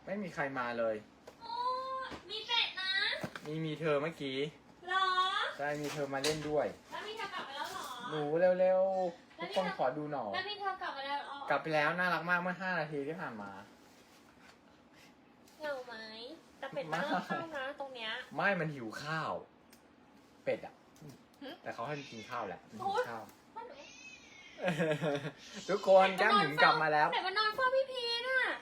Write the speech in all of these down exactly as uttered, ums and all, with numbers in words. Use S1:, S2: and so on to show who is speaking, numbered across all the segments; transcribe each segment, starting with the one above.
S1: ไม่มีใครมาเลย
S2: โอ้มีเป็ดนะ
S1: มีมีเธอเมื่อกี้
S2: หรอ
S1: ใช่มีเธอมาเล่นด้วย
S2: แล้วมีเธอกลับไปแล้วหรอ
S1: หนูเร็วๆทุกคนขอดูหน่อย
S2: แล้วมีเธอกลับมาแล้วอ๋อก
S1: ลับไปแล้วน่ารักมากเมื่อห้านาทีที่ผ่านมา
S2: เหงาไหมแต่เป็ดมันเริ่มเข้านะตรงเนี้ย
S1: ไม่มันหิวข้าว เป็ดอ่ะ แต่เขาให้มันกินข้าวแหละมันหิวข้าว
S2: พ่อหนู
S1: ทุกคนแก้มหมุนกลับมาแล้ว
S2: ไหนมานอนเฝ้าพี่พีน่ะ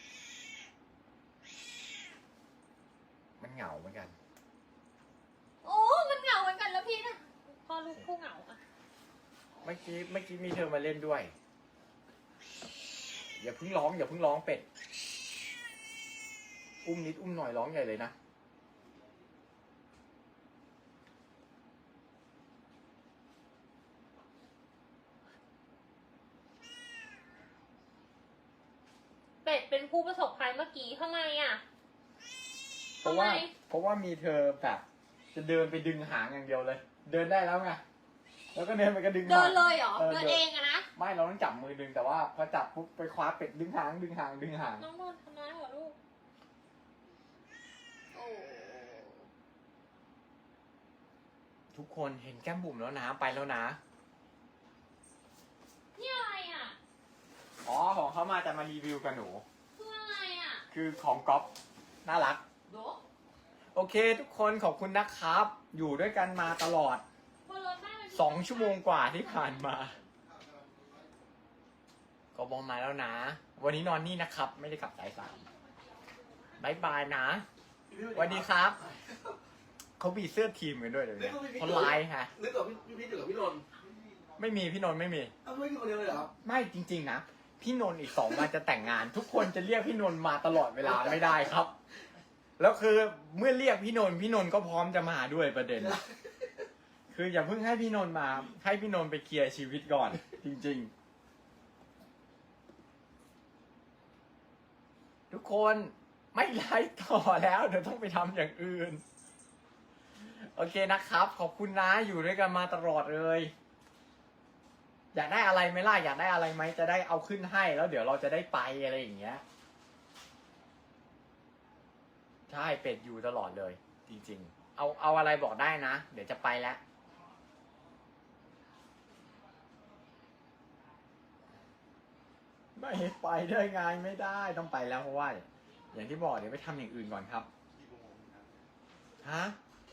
S1: มันเหงาเหมือนกัน
S2: โอ้มันเหงาเหมือนกันแล้วพี่น่ะพ่อลูกคู่เหงาอะ
S1: เมื่อกี้เมื่อกี้มีเธอมาเล่นด้วย อย่าเพิ่งร้องอย่าเพิ่งร้องเป็ด อุ้มนิดอุ้มหน่อยร้องใหญ่เลยนะ
S2: เป็ดเป็นผู้ประสบภัยเมื่อกี้ทำไมอ่ะ
S1: เพราะว่า เพราะว่ามีเธอแบบจะเดินไปดึงหางอย่างเดียวเลย เดินได้แล้วไง แล้วก็เดินไปก็ดึงหาง
S2: เดินเลยเหรอ
S1: เออ
S2: เดินเองอะนะ
S1: ไม่เราต้องจับมือดึงแต่ว่าพอจับปุ๊บไปคว้าเป็ดดึงหางดึงหางดึงหาง
S2: น้องโดนทำร้ายเหรอลูก โอ้
S1: ทุกคนเห็นแก้มบุ๋มแล้วนะไปแล้วนะ
S2: นี่อะไรอ่ะ
S1: อ๋อของเขามาจะมารีวิวกับหนู
S2: คืออะไรอ่ะ
S1: คือของก๊อฟน่ารัก
S2: โด
S1: โอเค ทุกคนขอบคุณนะครับ อยู่ด้วยกันมาตลอด
S2: บนรถแม่มัน
S1: สองชั่วโมงกว่าที่ผ่านมา ก็บอกมาแล้วนะ วันนี้นอนนี่นะครับ ไม่ได้กลับสายสามบายบายนะสวัสดีครับ เขาบีเสื้อทีมกันด้วยเลยวเนี่ยเขาไลน์ฮะ
S3: นึกกับพี่พี่พีทอยู่กับพี่นนท์
S1: ไม่มีพี่นนท์ไม่มี
S3: อ้าวไม่มีคนเดียวเลยเหรอครับ
S1: ไม่จริงๆนะ พี่นนท์อีกสองวันจะแต่งงาน ทุกคนจะเรียกพี่นนท์มาตลอดเวลาไม่ได้ครับ แล้วคือเมื่อเรียกพี่นนท์พี่นนท์ก็พร้อมจะมาด้วยประเด็น คืออย่าเพิ่งให้พี่นนท์มา ให้พี่นนท์ไปเคลียร์ชีวิตก่อน จริงๆ ทุกคนไม่ไลฟ์ต่อแล้วเดี๋ยวต้องไปทำอย่างอื่น โอเคนะครับ ขอบคุณนะอยู่ด้วยกันมาตลอดเลย อยากได้อะไรไหมล่ะอยากได้อะไรไหมจะได้เอาขึ้นให้แล้วเดี๋ยวเราจะได้ไปอะไรอย่างเงี้ยใช่เป็ดอยู่ตลอดเลย จริงๆเอาเอาอะไรบอกได้นะเดี๋ยวจะไปแล้วไม่ไปได้ไงไม่ได้ต้องไปแล้วเพราะว่าอย่างที่บอกเดี๋ยวไปทำอย่างอื่นก่อนครับฮะ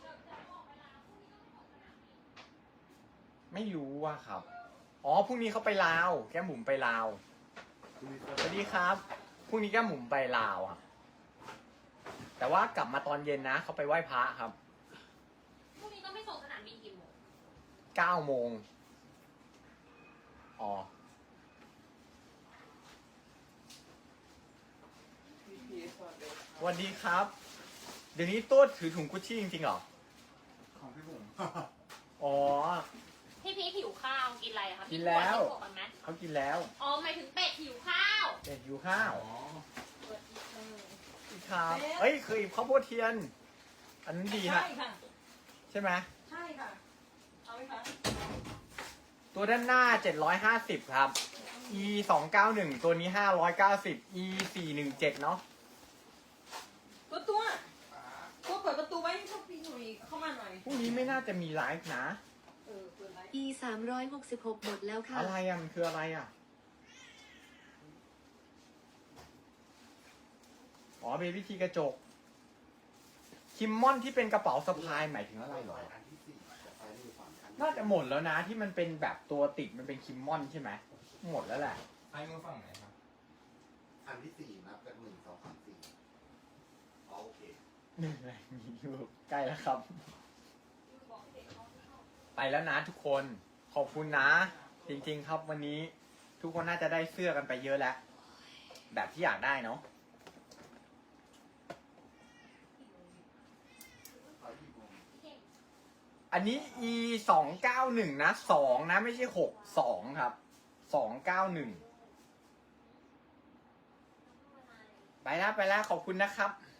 S1: ไม่รู้ว่าครับอ๋อพรุ่งนี้เขาไปลาวแก้มหมุมไปลาวสวัสดีครับพรุ่งนี้แก้มหมุมไปลาวครับแต่ว่ากลับมาตอนเย็นนะเขาไปไหว้พระครับ
S2: พรุ่งนี้ต้องไปส่งสนามบินกี่โมง
S1: เก้าโมงอ๋อสวัสดีครับ เดี๋ยวนี้ตัวถือถุงกุชชี่จริงๆเหรอ
S3: ของพี่ผม
S1: อ๋อ
S2: พี่พีหิวข้าวกินอะไรอะคะ
S1: กินแล้ว
S2: มีขดกันไหม
S1: เขากินแล้ว
S2: อ๋อหมายถึงเป็ดหิวข้าว
S1: เป็ดอยู่ข้าว
S3: อ๋อ
S2: เปิดอีกเออ
S1: ครับเอ้ยเคยข้าวโพดเทียน อันนั้นดีฮะ
S4: ใช่ค่ะ
S1: ใช่ไหม
S4: ใช่ค่ะ เอาไหมคะ
S1: ตัวด้านหน้าเจ็ดร้อยห้าสิบครับ e สองเก้าหนึ่งตัวนี้ห้าร้อยเก้าสิบ e สี่หนึ่งเจ็ดเนาะ
S4: ตัวตัวตัวเปิดประตูไว้ให้พวกพี่หน่อยเข้ามาหน่อย
S1: พรุ่งนี้ไม่น่าจะมีไลฟ์นะ
S4: เออเปิดไว้
S5: e สามร้อยหกสิบหกหมดแล้วค่ะ
S1: อะไรอ่ะมันคืออะไรอ่ะ อ๋อเป็นวิธีกระจก คิมมอนที่เป็นกระเป๋าสะพายหมายถึงอะไรเหรอ
S3: อันที่สี่จะไปนี่ฝั่งคัน
S1: น่าจะหมดแล้วนะที่มันเป็นแบบตัวติดมันเป็นคิมมอนใช่ไหมหมดแล้วแหละ
S6: ไอ้มือฝั่งไหนครับ
S3: อันที่สี่นับจากหนึ่งสองสามสี่อ๋อโอเค
S1: หนึ่งอะไรมีอยู่ใกล้แล้วครับ ไปแล้วนะทุกคนขอบคุณนะ จริงๆครับวันนี้ทุกคนน่าจะได้เสื้อกันไปเยอะแล้ว แบบที่อยากได้เนาะ
S3: ไปกี่โมง
S1: อันนี้ e สองเก้าหนึ่งนะสองนะไม่ใช่หกสองครับสองเก้าหนึ่งไปแล้วไปแล้วขอบคุณนะครับ